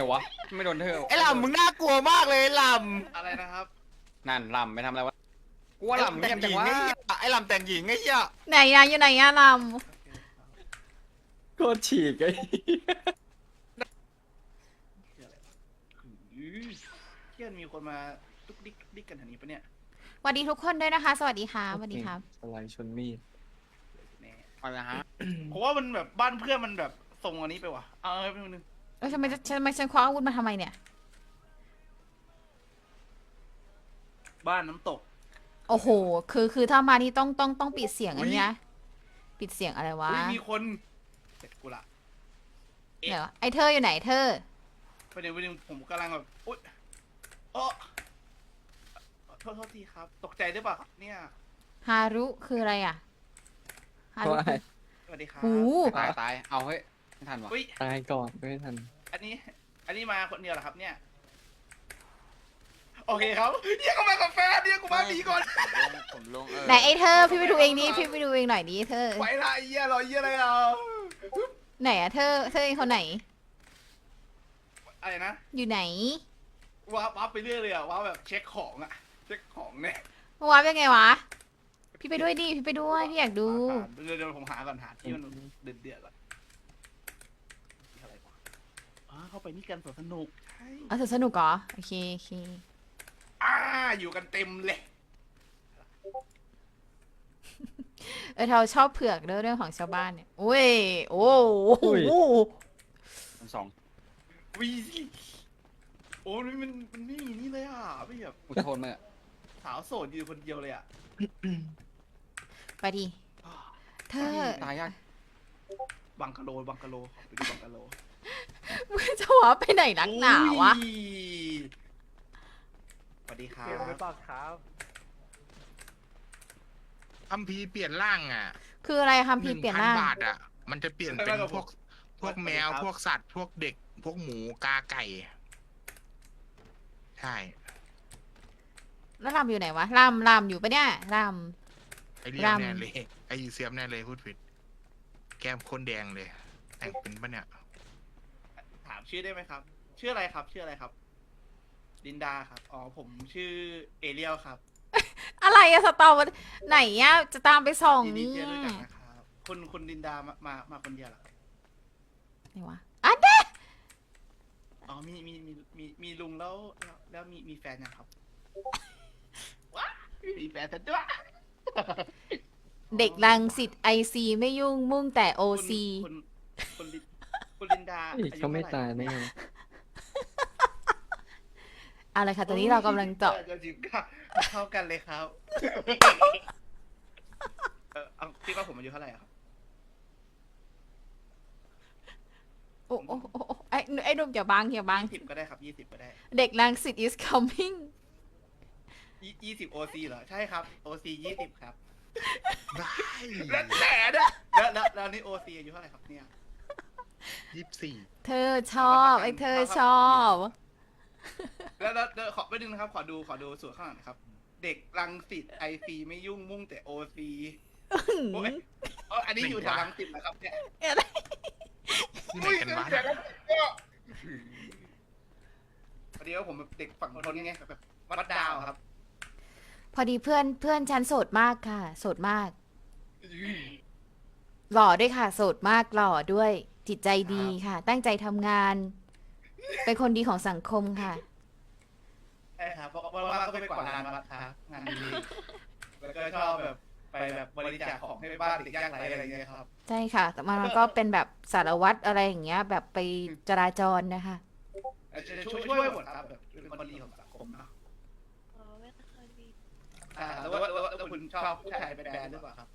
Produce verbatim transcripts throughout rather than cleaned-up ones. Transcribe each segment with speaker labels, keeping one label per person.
Speaker 1: วะไม่โดนเธอ
Speaker 2: ไอ้ลำมึงน่ากลัวมากเลยล
Speaker 3: ำอะไรนะครับ
Speaker 1: นั่นลำไปทำอะไรวะกูว่าลำ
Speaker 2: แต่
Speaker 1: เงียบ
Speaker 2: งห
Speaker 1: จั
Speaker 2: ญิ
Speaker 1: ง
Speaker 2: ง
Speaker 1: วะ
Speaker 2: ไอ้เหี้ยไอ้ลำแต่งหญิงไอ้เหี้ย
Speaker 4: ไหนอะอยู่ไหนอะล
Speaker 5: โคตรฉีกไอ้
Speaker 3: เที่ยนมีคนมาตุ๊กดิ๊กตุ๊กดิ๊กกันแถวนี้ปะเนี่ย
Speaker 4: ำสวัสดีทุกคนด้วยนะคะ สวัสดีค่ะสวัสดีครับ
Speaker 5: สไลด์ชนมีด
Speaker 3: แน่
Speaker 1: อะไรนะฮะ
Speaker 3: ผมว่ามันแบบบ้านเพื่อนมันแบบทรงอันนี้ไปว่ะเอาเอาไปหนึ่ง
Speaker 4: เอ้ยทำไมจะทำไมฉันคว้าอาวุธมาทำไมเนี่ย
Speaker 3: บ้านน้ำตก
Speaker 4: โอ้โห คือคือถ้ามานี่ต้องต้องต้องปิดเสียงอันนี้นะปิดเสียงอะไรวะ
Speaker 3: อุ้ยมีคนเสร็จกูละ
Speaker 4: เดี๋ยวไอเธออยู่ไหนเธอ
Speaker 3: ประเด็นประเด็นผมกำลังแบบอุ๊ยโอ้โทษโทษทีครับ ตกใจได้ป่ะครับเนี่ย
Speaker 4: ฮารุคืออะไรอะฮารุ
Speaker 5: ว่า
Speaker 4: คือ
Speaker 3: สวัสดีครับ
Speaker 4: หู
Speaker 1: ตายตายเอาเฮ้ยไม่ทันวะ
Speaker 3: อุ้ย
Speaker 5: ตายก่อนไม่ทัน
Speaker 3: อันนี้ อันนี้มาคนเดียวเหรอครับเนี่ยโอเคครับเรียกกูมากับแฟนเรียกกูมาหนีก่อน
Speaker 1: ผมลงเออ
Speaker 4: ไหนไอเธอพี่ไปดูเองดิพี่ไปดูเองหน่อยดิเธอ
Speaker 3: ไหวละไอ้เหี้ยรอเหี้ยอะไรอ่ะ
Speaker 4: ไหนอะเธอเธอเป็นคนไหน
Speaker 3: อะไรนะ
Speaker 4: อยู่ไหน
Speaker 3: ว้าว้าไปเรื่อยเลยอ่ะว้าแบบเช็คของอ่ะเช็คของเนี่ย
Speaker 4: เมื่อวานเป็นไงวะ พี่ไปด้วยดิพี่ไปด้วยพี่อยากดู
Speaker 3: หาเดี๋ยวเดี๋ยวผมหาก่อนหาที่มันเดือดเดือดก่อนอะไรวะอ๋อเข้าไปนี่กันสวนสนุกใช่
Speaker 4: เอาสนุกเหรอโอเคโอเค
Speaker 3: อ่าอยู่กันเต็มเลย
Speaker 4: เออเราชอบเผือกเรื่องเรื่องของชาวบ้านเนี่ยโอ้ยโอ้โห
Speaker 1: มันสอง
Speaker 3: วีสิโอ้ยมันมันไม่มีนี่เลยอ่ะไม่แบบ
Speaker 1: อุทโทนเมื่อ
Speaker 3: สาวโสดอยู่คนเดียวเลยอ่ะ
Speaker 4: ไปดิเธอ
Speaker 1: ตายยาก
Speaker 3: บังกะโลบังกะโลขอไปดูบังกะโล
Speaker 4: มึงจะวะไปไหนนักหนาวะ
Speaker 3: อุ้ยสวัสดีครับ
Speaker 6: เกมหรือเปล่าครับ
Speaker 7: คัมภีร์เปลี่ยนร่างอ่ะ
Speaker 4: คืออะไรคำพี
Speaker 7: หนึ่ง
Speaker 4: เปลี่ยน
Speaker 7: พัน
Speaker 4: ร่าง
Speaker 7: บาทอ่ะ มันจะเปลี่ยนเป็นพวก พวกแมว พวกสัตว์ พวกเด็ก พวกหมูกาไก่ ใช่
Speaker 4: แล้วรำอยู่ไหนวะรำรำอยู่ปะเนี่ยร
Speaker 7: ไอเรีย
Speaker 4: รำ
Speaker 7: มแน่เลย ไอยูเซียมแน่เลยพูดผิด แก้มคนแดงเลย แต่งเป็นปะเนี่ย
Speaker 3: ถามชื่อได้ไหมครับ ชื่ออะไรครับ ชื่ออะไรครับลินดาครับอ๋อผมชื่อเอเรียลครับ
Speaker 4: ำอะไรอะสตอร์ไหนอะจะตามไปส่อง
Speaker 3: ยินดี
Speaker 4: นี่
Speaker 3: ที่ได้รู้จักนะครับคุณคุณลินดามามามาคนเดียวเหรอครับ
Speaker 4: ไหนวะอ่ะเด้
Speaker 3: อ๋อมีมีมีมีมีลุงแล้วแล้วแล้วมีมีแฟนยังครับว้ามีแฟนซะด้วย
Speaker 4: เด็กรังสิตไอซีไม่ยุ่งมุ่งแต่โอ
Speaker 3: คุณ
Speaker 4: ซี
Speaker 3: คุณคุณลินคุณลินดา
Speaker 5: อีก
Speaker 3: อายุ
Speaker 5: เขาไม่
Speaker 3: เท่
Speaker 5: ตาย
Speaker 3: หร่
Speaker 5: ได้ไง
Speaker 4: เอาเลยค่ะตอนนี้เรากำลังเจาะ
Speaker 3: จะจิบค่ะเข้ากันเลยครับเออเอาคิดว่าผมอายุเท่าไหร่อะครับ
Speaker 4: โอ้โอ้โอ้โอ้ไอ้ไอ้หนุ่มอย่าบังอย่าบัง
Speaker 3: ยี่สิบก็ได้ครับยี่สิบก็ได้
Speaker 4: เด็กรังสิต is coming
Speaker 3: ยี่ยี่สิบโอซีเหรอใช่ครับโอซียี่สิบครับ
Speaker 7: ได้
Speaker 3: แล้วแต่นะแล้วแล้วแล้วนี่โอซีอายุเท่าไหร่ครับเนี่ย
Speaker 7: ยี่สิบสี่
Speaker 4: เธอชอบไอ้เธอชอบ
Speaker 3: แล้วแล้วแล้วขอไปดึงนะครับ ขอดูขอดูส่วนข้างหลังนะครับ เด็กรังสิตไอซีไม่ยุ่งมุ่งแต่โอซีโอ้ยเอออันนี้อยู่แถวรังสิตนะครับเนี่ย
Speaker 7: ที่ไหนกันวะ
Speaker 3: แถวรังสิตก็พอดีว่าผมแบบเด็กฝั่งทนไงแบบวัดดาวครับ
Speaker 4: พอดีเพื่อนเพื่อนฉันโสดมากค่ะโสดมาก หล่อด้วยค่ะโสดมากหล่อด้วยจิตใจดีค่ะ ตั้งใจทำงาน เป็นคนดีของสังคมค่ะ
Speaker 3: ใช่ครับเพราะว่าก็ไปกวาดลานวัดครับงานดีแล้วก็ชอบแบบไปแบบบริจาคของให้บ้านเด็กยากไร้อะไรอย่างเงี้ยครับ
Speaker 4: ใช่ค่ะ แต่มันก็เป็นแบบสารวัตรอะไรอย่างเงี้ย แบบไปจราจรนะคะ
Speaker 3: ช่วยช่วยหมดครับแบบเป็นคนดีของสังคมเนาะ
Speaker 6: อ๋อไม่เคยมี
Speaker 3: อ่าแล้วว่าแล้วแล้วคุณชอบผู้ชายเป็นแบรนด์หรือเปล่าครับ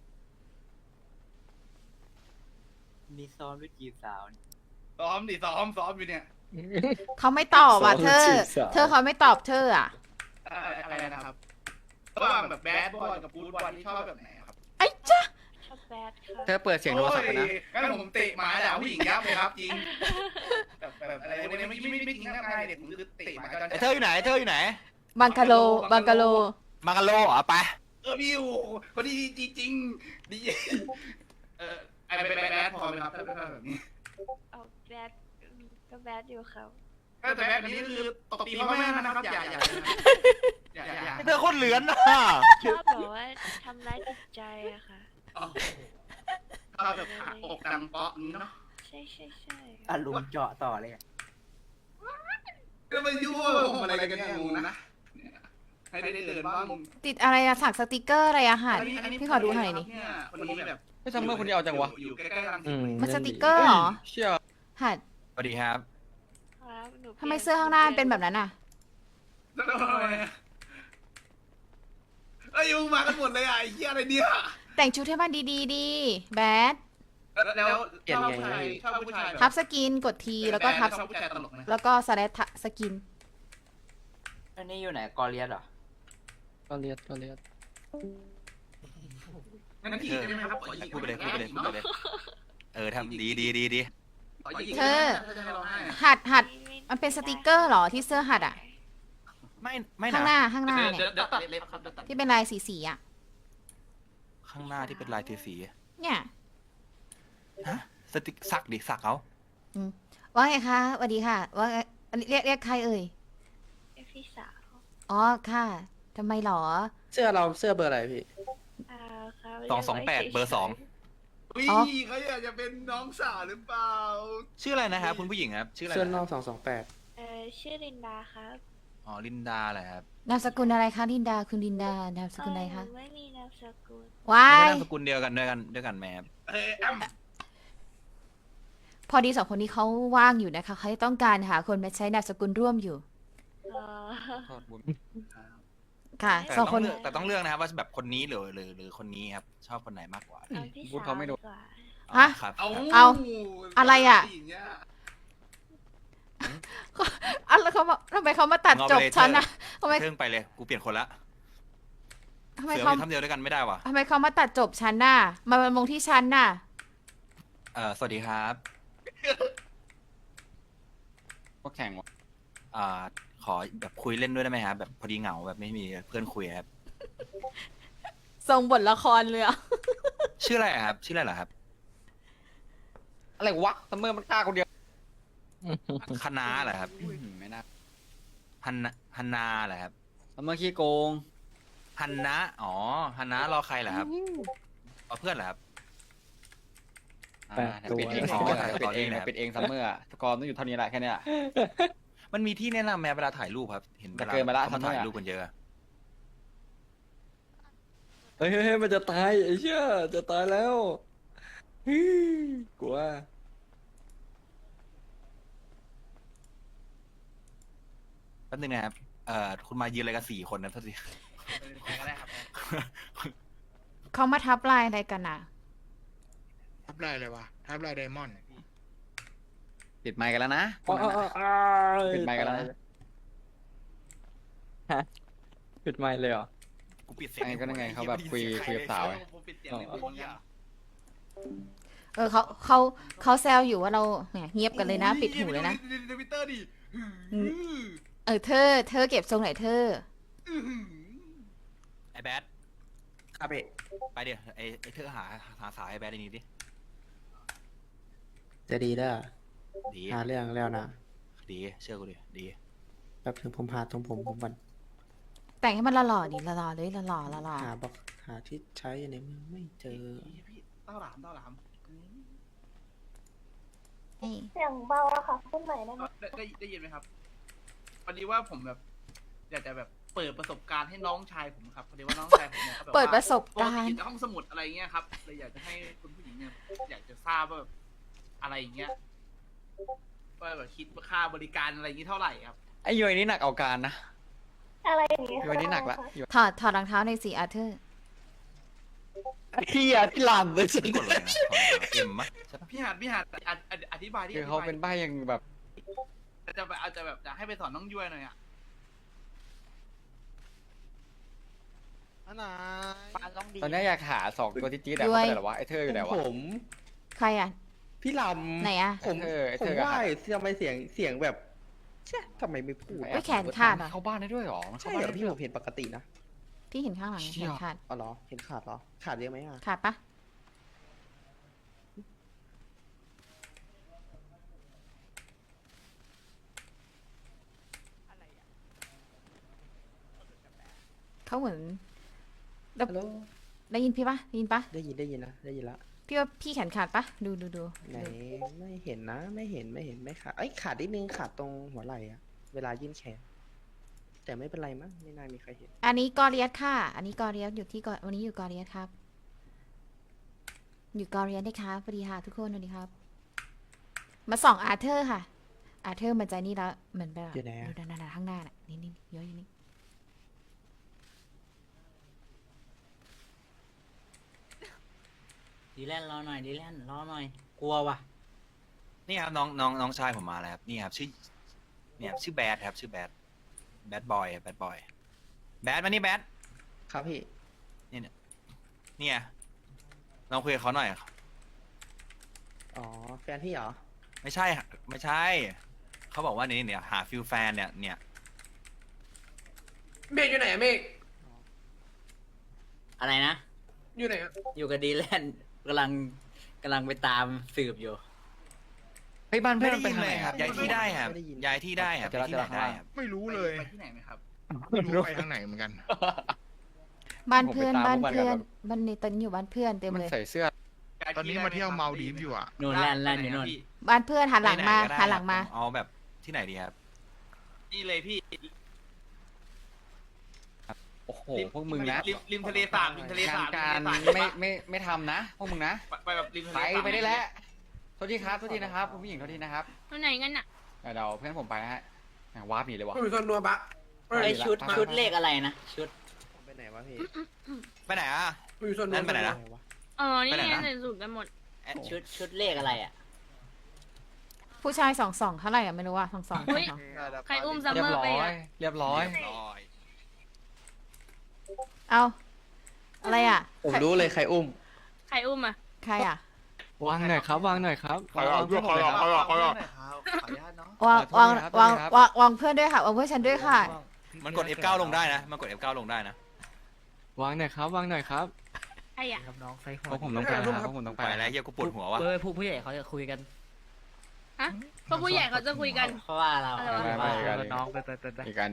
Speaker 6: มีซ้อมด้วยจีบสาวนี่
Speaker 3: ซ้อมดิซ้อมซ้อมอยู่เนี่ย
Speaker 4: เขาไม่ตอบอ่ะเธอ
Speaker 5: จีบสาว
Speaker 4: เธอเขาไม่ตอบเธออ่ะ
Speaker 3: อ่าอะไรนะครับระหว่างแบบแบดบอยกับบูดบอยที่ชอบแบบไหนครับ
Speaker 4: ไอ้จ้า
Speaker 6: ชอบแบดค่ะ
Speaker 1: เธอเปิดเสียงโทรศัพท์กันนะ
Speaker 3: งั้นผมเตะหมาด่าผู้หญิงยับเลยครับจริงแบบแบบอะไรพวกนี้ไม่ไม่ไม่จริงนะนายเด็กผมคือเตะหมาจน
Speaker 2: ไอ้เธออยู่ไหนเธออยู่ไหน
Speaker 4: บังกะโลบังกะโล
Speaker 2: มากาโลเหรอไป
Speaker 3: เออพี่โอ้คนดีจริงจริงดีเออไอ้แบดแบดพอไหมครับถ้าเป็นแบบนี้
Speaker 6: เอาแบดก็แบดอยู่ครับ
Speaker 3: แต่แบบนี้คือตบตีพ่อแม่นะครับอย่าอย่าอย่าอย่าอย่า
Speaker 2: ไอ้เธอโคตรเหลือนนะ
Speaker 6: ชอบแบบว่าทำร้ายจิตใจอะค่ะ
Speaker 3: ก็แบบหักอกดังเปาะนี้เนาะ
Speaker 6: ใช่ใช่ใช่
Speaker 8: อารมณ์เจาะต่อเลยอะ
Speaker 3: ก็มายั่วผมอะไรกันเนี่ยงูนะให้ได้เดินบ้าง
Speaker 4: ติดอะไรอะสักสติกเกอร์อะไรอะหัดพี่ขอดูหน่อยดิ
Speaker 3: เนี่ยคนนี้แบบ
Speaker 1: ไม่ทำเมื่อคนนี้เอาจังวะ
Speaker 3: อยู่ใกล้ๆรังสิ
Speaker 5: อื
Speaker 3: ต
Speaker 5: ม
Speaker 4: มันสติกเกอร์เหรอ
Speaker 1: เชี่ย
Speaker 4: หัด
Speaker 2: สวัสดีครับ
Speaker 6: ครับหนู
Speaker 4: ทำไมเสื้อข้างหน้ามันเป็นแบบนั้นอะ
Speaker 3: เอ้ยมึงมากันหมดเลยอ่ะไอ้เหี้ยอะไรเนี่ย
Speaker 4: แต่งชุดให้มันดีๆดีแบด
Speaker 3: แล้วชอบผู้ชายชอบผู้ชาย
Speaker 4: ทับสกินกดทีแล้วก็ทับ
Speaker 3: ชอบผู้ชายตลกนะ
Speaker 4: แล้วก็สแลชสกิน
Speaker 8: อันนี้อยู่ไหนกอเลียสเหรอ
Speaker 5: ก็เลียดก็เลียด
Speaker 3: งั้นพี่ได้ไหมครับขอหยิก
Speaker 2: พูดไปเลยพูดไปเลยพูดไปเลย เออทำดีดีดีดี
Speaker 3: ขอหยิก
Speaker 4: เธอ
Speaker 3: ถ้าจะให้ร้องไห้อะ
Speaker 4: หัดหัดมันเป็นสติกเกอร์เหรอที่เสื้อหัดอะ
Speaker 2: ไม่ไม่
Speaker 4: ข้างห
Speaker 2: นะ
Speaker 4: น้าข้างหน้า
Speaker 3: เดี๋ยว
Speaker 4: เนี่ย
Speaker 3: เดี๋ยวตัดเล็บครับเดี๋ยวตัด
Speaker 4: ที่เป็นลายสีสีๆอะ
Speaker 2: ข้างหน้าที่เป็นลายสีสี
Speaker 4: เนี่ย
Speaker 2: ฮะสติกสักดิสักเอา
Speaker 4: ว่าไงคะสวัสดีค่ะ ว่าไงอันนี้เรียกเรียกใครเอ่ย
Speaker 6: เรียกพี่สาว
Speaker 4: อ๋อค่ะทำไมหรอ
Speaker 5: เสื้อเราเสื้อเบอร์อะไรพี่
Speaker 6: อ่าครับ
Speaker 2: สองสองแปดเบอร์สอง
Speaker 3: อุ้ย
Speaker 4: อ๋อ
Speaker 3: เขาอยากจะเป็นน้องสาวหรือเปล่า
Speaker 2: ชื่ออะไรนะครับคุณผู้หญิงครับ ชื่ออะไร
Speaker 5: เสื้อนอ
Speaker 2: นะ
Speaker 5: กสองสองแปด
Speaker 6: เออชื่อลินดาครับ
Speaker 2: อ๋อลินดาเหรอครับ
Speaker 4: นามสกุลอะไรคะลินดาคุณลินดานามสกุลอะไร
Speaker 6: เอ
Speaker 4: คะ
Speaker 6: อหนูไม่มีนามสกุล
Speaker 4: ว้า
Speaker 2: ไม่
Speaker 4: ย
Speaker 2: นามสกุลเดียวกันด้วยกันด้วยกันแม่ครับ
Speaker 3: เอ้ยอ้ำ
Speaker 4: พอดีสองคนนี้เขาว่างอยู่นะคะเขาต้องการหาคนมาใช้นามสกุลร่วมอยู่
Speaker 6: เออ
Speaker 1: โทษบุญ
Speaker 4: ค่ะ
Speaker 2: แต่
Speaker 4: สอง
Speaker 2: ต้
Speaker 4: ค
Speaker 2: อง
Speaker 4: น
Speaker 2: เลือกแต่ต้องเลือกนะครับว่าแบบคนนี้หรือหรือหรือคนนี้ครับ ชอบคนไหนมากกว่า
Speaker 6: เอาพี่
Speaker 1: พูด
Speaker 6: สาว
Speaker 1: เขาไม่รู้
Speaker 6: ดีกว่า
Speaker 4: ฮะ
Speaker 2: อ๋อครับ
Speaker 3: เอา
Speaker 4: เอาอะไรอะ
Speaker 3: ย่างเงี้ย
Speaker 4: อ่ะแล้วเขามาทำไมเขามาตัดจบฉันนะทำไม
Speaker 2: เพิ่งไปเลยกูเปลี่ยนคนละ
Speaker 4: ทำไม
Speaker 2: เสือ
Speaker 4: เขา
Speaker 2: ไปทำเดียวด้วยกันไม่ได้ว่ะ
Speaker 4: ทำไมเขามาตัดจบฉันน่ะมาเป็นมงที่ฉันน่ะ
Speaker 2: เออสวัสดีครับ
Speaker 1: พวกแข่งวะ
Speaker 2: อ่าขอแบบคุยเล่นด้วยได้ไหมครับแบบพอดีเหงาแบบไม่มีเพื่อนคุยครับ
Speaker 4: ทรงบทละครเลยอะ
Speaker 2: ชื่ออะไรอะครับ ชื่ออะไรเหรอครับ
Speaker 1: อะไรวะทำเมื่อมันกล้าคนเดียว
Speaker 2: คณะเหรอครับ
Speaker 1: อื้อหือไม่น่า
Speaker 2: ฮันนาฮันนาเหรอครับ
Speaker 1: ทำเมื่อขี้โกง
Speaker 2: ฮันนะอ๋อฮันนะรอใครเหรอครับรอเพื่อนเหรอครับ
Speaker 1: อ่าเดี๋ยวปิดเอง
Speaker 2: อ๋อ
Speaker 1: ซัมเมอร์
Speaker 2: ถ่าย
Speaker 1: ปิดเอง
Speaker 2: ต่อเอง
Speaker 1: นะ
Speaker 2: นะ
Speaker 1: ปิดเองซัมเมอร์อะสกอร์ต้องอยู่เท่านี้แหละแค่เนี้ย
Speaker 2: มันมีที่แนะนำแม้เวลาถ่ายรูปครับ เห็นเว
Speaker 1: แต่
Speaker 2: ลา
Speaker 1: เกินไปละ
Speaker 2: เขามา
Speaker 1: ทำไมอะ
Speaker 2: ถ่ายรูปกันเยอะ
Speaker 5: เฮ้ยเฮ้ยเฮ้ยมันจะตายไอ้เชี่ยจะตายแล้วฮึ่ยกลัว
Speaker 2: แป๊บนึงนะครับ เอ่อ คุณมายืนอะไรกันสี่คนนะโทษที
Speaker 3: ใครก็ได้ครับ
Speaker 4: เขามาทับลายอะไรกันน่ะ
Speaker 7: ทับลายเลยวะทับลายไดมอนด์
Speaker 1: ปิดไมค์กันแล้วนะ
Speaker 5: อ๋ออ๋ออ๋ออ๋อ
Speaker 1: ปิดไมค์กันแล้วนะ
Speaker 5: ฮะปิดไมค์เลยเหรอ
Speaker 2: กูปิดเสียง
Speaker 1: ไอ้ก็นั่นไงเขาแบบคุยคุยกับสาวไง
Speaker 3: ผมปิดเสียงในวงเนี่ย
Speaker 4: เออเขาเขาเขาแซวอยู่ว่าเราแหมเงียบกันเลยนะ ปิดหูเลยนะ
Speaker 3: ทวิตเตอร์ดิ
Speaker 4: เออเธอ เธอเก็บทรงไหนเธอ
Speaker 2: ไอ้แบด
Speaker 8: ครับพี่
Speaker 2: ไปเดี๋ยวไอ้ไอ้เธอหาหาสาวไอ้แบดในนี้ดิ
Speaker 5: จะดีเด้อ
Speaker 2: ดี
Speaker 5: หาเรื่องแล้วนะ
Speaker 2: ดีเชื่อกูดิดี
Speaker 5: แป๊บนึงผมหาตรงผมผมก่อน
Speaker 4: แต่งให้มันหล่อๆดิหล่อๆเลยหล่อๆหล่อ
Speaker 5: หาบอกหาที่ใช้ในเมืองไม่เจอ
Speaker 3: พี่เต้าหลามเต้าหลาม
Speaker 4: ๆนี่
Speaker 6: เสียงเบาอะค่ะพูดใหม่ได้ไหม
Speaker 3: ได้ได้ได้ยินไหมครับพอดีว่าผมแบบ อยากจะแบบเปิดประสบการณ์ให้น้องชายผมครับพอดีว่าน้องชายผมเนี่ยขาแบบว่า
Speaker 4: เปิดประสบ
Speaker 3: ปก
Speaker 4: การ
Speaker 3: ติอ
Speaker 4: ณ์
Speaker 3: ยู่ในห้องสมุดอะไรเงี้ยครับเลยอยากจะให้คุณผู้หญิงเนี่ยอยากจะทราบว่าแบบอะไรอย่างเงี้ยว่าแบบคิดว่าค่าบริการอะไรอย่างงี้เท่าไหร่ครับ
Speaker 1: ไอ้ยอยนี่หนักเอาการนะ
Speaker 6: อะไรอย่างเงี้ย
Speaker 1: ยอยนี่หนักละยอย
Speaker 4: ถอดถอดรองเท้าในอยสีอาร์เธอร์
Speaker 1: พี่อะที่ลำเลยสิ
Speaker 2: กดเลยนะของเอ็มมะใช่ปะ
Speaker 3: พี่หาดพี่หาดอธิอธิบายดิ
Speaker 1: คือเขาเป็นใบยังแบบ
Speaker 3: จะแบบอาจจะแบบจะให้ไปสอนน้องย้วยหน่อยอ่ะ
Speaker 6: ปาลองดี
Speaker 1: ตอนนี้อยากหาสองตัวที่จี๊ดอะเขาไปไหนหรอวะไอ้เธออยู่ไหนวะ
Speaker 9: ผม
Speaker 4: ใครอ่ะ
Speaker 9: พี่ลำ
Speaker 4: ไหนอ่ะ
Speaker 9: ผม
Speaker 1: ไอ้เธอไอ้
Speaker 9: ผ
Speaker 1: เธ
Speaker 9: ม
Speaker 1: อกับ
Speaker 9: ว่า
Speaker 1: หา
Speaker 9: ทำไมเสียงเสียงแบบเช่ทำไมไม่พูด
Speaker 4: เฮ้ยแขนขาดเหรอ
Speaker 1: เข้าบ้านได้ด้วยเหรอมัน
Speaker 9: ใช่
Speaker 1: เข้า
Speaker 9: เหร
Speaker 1: บ้าน
Speaker 9: อ
Speaker 1: ได้
Speaker 9: พี่
Speaker 1: ด้วย
Speaker 9: ผมเห็นปกตินะ
Speaker 4: พี่เห็นข้างหลังแขนขาด
Speaker 9: อ๋อเหรอเห็นขาดเหรอ ขาดเยอะไหมอ่ะ
Speaker 4: ขาดปะ
Speaker 9: อ
Speaker 4: เขาเหมือน
Speaker 9: ฮัลโหล
Speaker 4: ได้ยินพี่ปะได้ยินปะ
Speaker 9: ได้ยินได้ยินนะได้ยินละ
Speaker 4: พี่ว่าพี่แขนขาดปะดูดูดู
Speaker 9: ไหนไม่เห็นนะไม่เห็นไม่เห็นไม่ขาดเอ้ยขาดนิดนึงขาดตรงหัวไหล่อะเวลายื่นแขน แต่ไม่เป็นไรมั้งไม่น่ามีใครเห็น
Speaker 4: อันนี้กอเรียสค่ะ อันนี้กอเรียสอยู่ที่กอวันนี้อยู่กอเรียสครับ อยู่กอเรียสได้ครับสวัสดีค่ะทุกคนสวัสดีครับ มาส่องอาร์เธอร์ค่ะ อาร์เธอร์มันใจนี่แล้วเหมือนแบบ
Speaker 9: อยู่ไหนอะ
Speaker 4: ดูด้านหน้าข้างหน้าน่ะนี่นี่เยอะอยู่นี่
Speaker 8: ดีแลนรอหน่อยดีแลนรอหน่อย กลัวว่ะ
Speaker 2: นี่ครับน้องน้องน้องชายผมมาแล้วครับนี่ครับชื่อเนี่ยชื่อแบดครับชื่อแบดแบดบอยแบดบอยแบดมานี่แบด
Speaker 9: ครับพี่
Speaker 2: เนี่ยลองคุยกับเขาหน่อย
Speaker 9: อ๋อแฟนพี่เหรอ
Speaker 2: ไม่ใช่ไม่ใช่เขาบอกว่านี่เนี่ยหาฟิลแฟนเนี่ยเนี่ย
Speaker 10: เมฆอยู่ไหนอะเมฆ
Speaker 8: อะไรนะ
Speaker 10: อยู่ไหนอะ
Speaker 8: อยู่กับดีแลนกำลังกำลังไปตามสืบอยู่
Speaker 1: เฮ้ยบ้าน
Speaker 2: ไม่
Speaker 1: เพื่อน
Speaker 2: ได้
Speaker 1: มันไป
Speaker 2: ยิน
Speaker 1: ทาง
Speaker 2: เล
Speaker 1: ไหน
Speaker 2: ย
Speaker 1: ค
Speaker 2: ค
Speaker 1: รั
Speaker 2: รั
Speaker 1: บบ
Speaker 2: ย้ายที่ได้ครับ
Speaker 9: ไม่ได้ยิน
Speaker 2: ย้ายที่ได้ครับ
Speaker 1: เดี๋ยว
Speaker 2: ย้ายที่ไหน
Speaker 1: เราจะ
Speaker 2: ได้ครับ
Speaker 7: ไม่รู้เลย
Speaker 3: ไปที่ไหนไหมครับ
Speaker 7: ไม่รู้ไปทางไหนเหมือนกัน
Speaker 4: บ้านเพื่อน
Speaker 1: ผมไปตาม
Speaker 4: บ้าน
Speaker 1: พวกมัน
Speaker 4: เพื่อน
Speaker 1: กัน
Speaker 4: บ้านในตอนนี้อยู่บ้านเพื่อนเต็ม
Speaker 1: มัน
Speaker 4: เลย
Speaker 1: ใส่เสื้อ
Speaker 7: ตอนนี้มาเที่ยวเมาดีฟอยู่อ่ะ
Speaker 8: นู่นแลนแลนอยู่นู่น
Speaker 4: บ้านเพื่อนหันหลังมา
Speaker 2: ไไก็ได้
Speaker 4: หันหลังมา
Speaker 2: ครับเอาแบบที่ไหนดีครับ
Speaker 3: นี่เลยพี่
Speaker 1: โอ้โหพวกมึงนะ
Speaker 3: ริมริมทะเลสาบริมทะเล
Speaker 1: งา
Speaker 3: สาน บ
Speaker 1: การ
Speaker 3: ริมทะเลสาบ
Speaker 1: ไม่ไม่ไม่ทำนะพวกมึงนะ
Speaker 3: ไปไปแบบริมทะเล
Speaker 1: ไป
Speaker 3: สาบ
Speaker 1: ไปได้แล้วโทษทีครับโทษทีนะครับคุณผู้หญิงโทษทีนะครับ
Speaker 6: ไปไหนกันน่ะ
Speaker 1: เดี๋ยวเพื่อนผมไปนะฮะแหม่งวาร์ปหนีเลยวะ
Speaker 10: ผมอยู่ส่วนนัวปะเอ้ย
Speaker 8: ไอชุด
Speaker 1: มา
Speaker 8: ชุดเลขอะไรนะ ชุด
Speaker 9: ไปไหนวะพี่
Speaker 2: ไปไหนอ่ะ
Speaker 10: ผมอยู่ส่วนนัว
Speaker 2: นั่นไปไหนนะ
Speaker 9: ไปวะ
Speaker 6: เออ นี่
Speaker 2: ไปไหน
Speaker 6: ไง
Speaker 2: นะ
Speaker 6: ใส่สูตรกันหมด
Speaker 8: ชุดชุดเลขอะไรอ่ะ
Speaker 4: ผู้ชายสองสองเท่าไหร่อะไม่รู้ว่าสองสอง
Speaker 6: เฮ้ย ใครอุ้มซัม
Speaker 1: เรีย
Speaker 6: เมอบ ร์
Speaker 1: ร้
Speaker 6: ไป
Speaker 1: อย
Speaker 6: อ่ะ
Speaker 1: เรียบร้อย
Speaker 2: ร้อย
Speaker 4: เอาอะไรอ่ะ
Speaker 9: ผม
Speaker 4: ใคร
Speaker 9: รู้เลยใครอุ้ม
Speaker 6: ใครอุ้มอ่ะ
Speaker 4: ใครอ่ะ
Speaker 5: วางหน่อยครับวางหน่อยครับ
Speaker 7: ขอหลอกด้วยขอหลอกขอหลอกขอหลอก
Speaker 3: ขออนุญาตเนาะ
Speaker 4: วาง
Speaker 1: ขอ
Speaker 4: วาง
Speaker 1: โทษนะครับ
Speaker 4: วาง
Speaker 1: ขอโทษนะครับ
Speaker 4: วางวางเพื่อนด้วยค่ะวางเพื่อนฉันด้วยค่ะ
Speaker 2: มันกด เอฟ เก้า ลงได้นะมันกด เอฟ เก้า ลงได้นะ
Speaker 5: วางหน่อยครับวางหน่อยครับ
Speaker 6: ใครอ่ะ
Speaker 5: เพราะผมต้องไปนะครับเพราะผมต้องไป
Speaker 2: ไปแล้วเหี้ยกูปวดหัววะ
Speaker 8: เออผู้ผู้ใหญ่เขาจะคุยกัน
Speaker 6: ฮะก็ผู้ใหญ่เขาจะคุยกัน
Speaker 8: เพราะว่าเรา
Speaker 6: อะไรวะ
Speaker 1: ไม่ไม่ไม่
Speaker 8: น้องไปไปไปไป
Speaker 1: อีกการ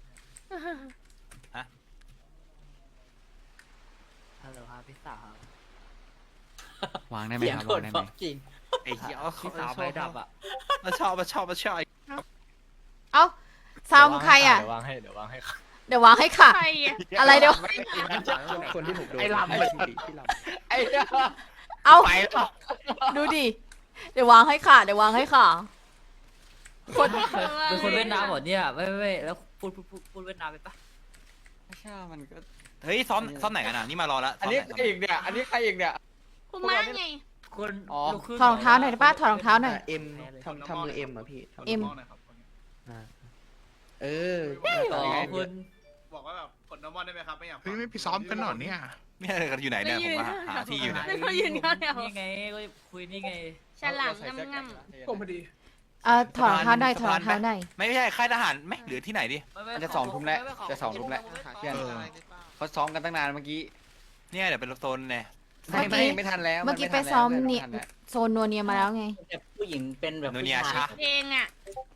Speaker 8: ฮัลโหลครับพี่สาว
Speaker 5: วางได้ไหม
Speaker 8: เสียง
Speaker 5: ครับ
Speaker 8: โค
Speaker 5: วาง
Speaker 8: ตร
Speaker 5: ได้
Speaker 8: เพ
Speaker 5: ไหม
Speaker 8: ราะจริง
Speaker 2: ไอ้เหี้ย
Speaker 8: พี่สาวไฟดับอ่ะ
Speaker 2: มาชอบมาชอบมาชอบ
Speaker 4: เอ้าซาวคือใครอ่ะ
Speaker 5: เดี๋ยววางให้เดี๋ยววางให้
Speaker 4: เดี๋ยววางให้ค่ะ
Speaker 6: ใครอ่ะ
Speaker 4: อะไรเดี๋ยว
Speaker 9: คนที่ผมโดน
Speaker 1: ไอ้ลำ
Speaker 9: ไอ้ลำที่ลำ
Speaker 1: ไอ้เหี้ย
Speaker 4: เอา
Speaker 1: ไปแล้ว
Speaker 4: ดูดิ เดี๋ยววางให้ค่ะ เดี๋ยววางให้ค่ะ คน
Speaker 8: เป็นคนเวียดนามหมดเนี่ยไม่ไม่ไม่แล้วพูดพูดพูดพูดเวียดนามไปปะ
Speaker 1: ไม่ใช่มันก็
Speaker 2: เฮ้ยซ้อมซ้อมไหนกันอ่ะนี่มารอแล้ว
Speaker 1: อันนี้ใครอีกเนี่ยอันนี้ใครอีกเนี่ย
Speaker 6: คุณมาไง
Speaker 8: คน
Speaker 1: อ๋อ
Speaker 8: ลูกครึ่
Speaker 4: ถอดรองเท้าหน่อยได้ป่ะถอดรองเท้าหน่อย
Speaker 9: เอ็มทำทำมือเอ็มเหรอพี่ทำ
Speaker 4: เอ็ม
Speaker 9: อ่าเออ
Speaker 8: อ๋อคุณ
Speaker 3: บอกว่าแบบกดน้ำมันได้ไหมครับไม่อยาก
Speaker 7: เฮ้ยไม่ไปซ้อมกันหน่อยเนี่ย
Speaker 2: เนี่ยอยู่ไหนเนี่ยผมก็หาหาที่อยู่เนี่ย
Speaker 6: ไม่เขายืนเขาเดียว
Speaker 8: นี่ไงก็คุยนี่ไง
Speaker 6: ฉลามงำง
Speaker 10: ผมพอดี
Speaker 4: เออถอดรองเท้าหน่อยถอดรองเท้าหน่อย
Speaker 2: ไม่ใช่ค่ายทหารไหมหรือที่ไหนดิ
Speaker 1: มันจะสองทุ่มแล้วจะสองทุ่มแล้วเพื่อน
Speaker 7: เออ
Speaker 1: เขาซ้อมกันตั้งนานเมื่อกี้
Speaker 2: เนี่ยเดี๋ยวเป็นโซนเนี่ย
Speaker 1: ไม่ไม่ไม่ทันแล้ว
Speaker 4: เมื่อกี้
Speaker 1: น
Speaker 4: ไป
Speaker 1: ทัแล้ว
Speaker 4: ซ้อม
Speaker 1: ไทั
Speaker 4: เนี่ย
Speaker 1: แล้ว
Speaker 4: โซนนัวเนียมาแล้วไง
Speaker 8: แบบผู้หญิงเป็นแบบ
Speaker 2: โน
Speaker 8: ผู้
Speaker 2: เนีย
Speaker 8: ชาย
Speaker 2: ชะ
Speaker 6: ำเพลงอ่ะ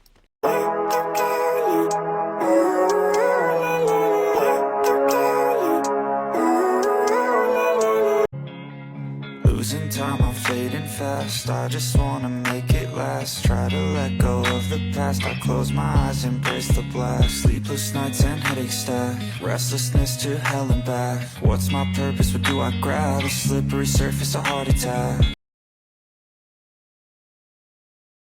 Speaker 11: Losing time, I'm fading fast. I just wanna make it last. Try to let go of the past. I close my eyes, embrace the blast. Sleepless nights and headaches stack. Restlessness to hell and back. What's my purpose? What do I grab? A slippery surface, a heart attack.